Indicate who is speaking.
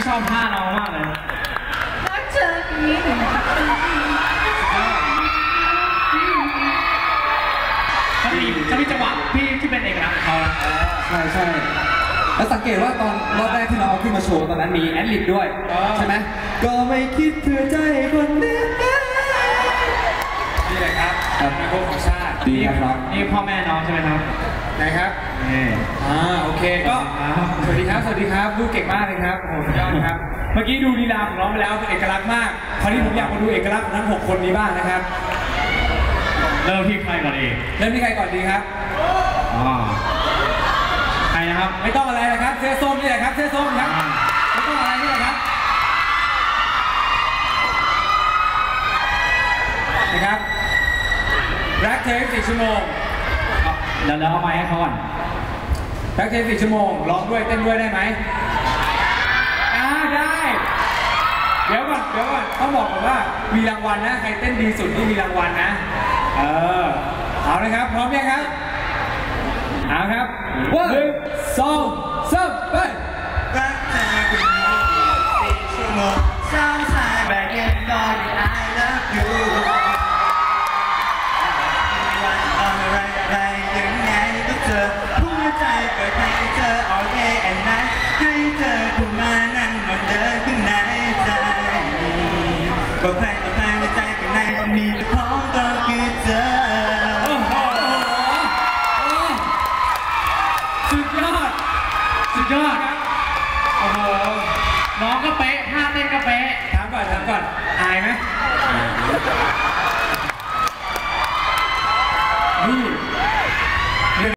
Speaker 1: อบท่าน้องมากเลย
Speaker 2: รักเธอนี้
Speaker 1: จะมีจังหวะที่เป็นเอกลักษณ์ของเขา
Speaker 3: ใช่แล้วสังเกตว่าตอนรอบแรกที่เราเอาขึ้นมาโชว์ตอนนั้นมีแอดลิบด้วยใช่ไหมก็ไม่คิดเพื่อใจคนนี้
Speaker 4: นี่แหละครับมีโค้ชของชาติ
Speaker 3: ดีครับ
Speaker 1: นี่พ่อแม่น้องใช่ไหมครับ
Speaker 4: นะครับโอเคก็สวัสดีครับพูดเก่งมากเลยครับโอ้สุดยอดครับเมื่อกี้ดูลีลาของน้องไปแล้วเป็นเอกลักษณ์มากคราวนี้ผมอยากมาดูเอกลักษณ์ของทั้ง6คนนี้บ้างนะครับ
Speaker 1: เริ่มที่ใครก่อนดี
Speaker 4: ครับ
Speaker 1: ใครนะครับ
Speaker 4: ไม่ต้องอะไรนะครับเสื้อส้มนี่แหละครับเสื้อส้มครับไม่ต้องอะไรนี่แหละครับนะครับรักเธอ4 ชั่วโมง
Speaker 1: เดี๋ยวเอาไม้ให้เขาก่อน
Speaker 4: รักเธอ4 ชั่วโมงร้องด้วยเต้นด้วยได้ไหมได้เดี๋ยวก่อนต้องบอกก่อนว่ามีรางวัลนะใครเต้นดีสุดที่มีรางวัลนะเอาเลยครับพร้อมยังครับเอาครับ1 2 3ไป
Speaker 2: รักเธอคนนี้4 ชั่วโมงSometimes I get lonely I love you วันอะไรยังไงก็เจอหัวใจเปิดให้เธอ all day and night ให้เธอเข้ามานั่งนอนเดินข้างในใจบอกใครในใจข้างในมีแต่ของก็คือเธอ
Speaker 1: สุดยอดโอ้โหน้องก็เป๊ะท่าเต้นก็เป๊ะ
Speaker 4: ถามก่อนอายไหม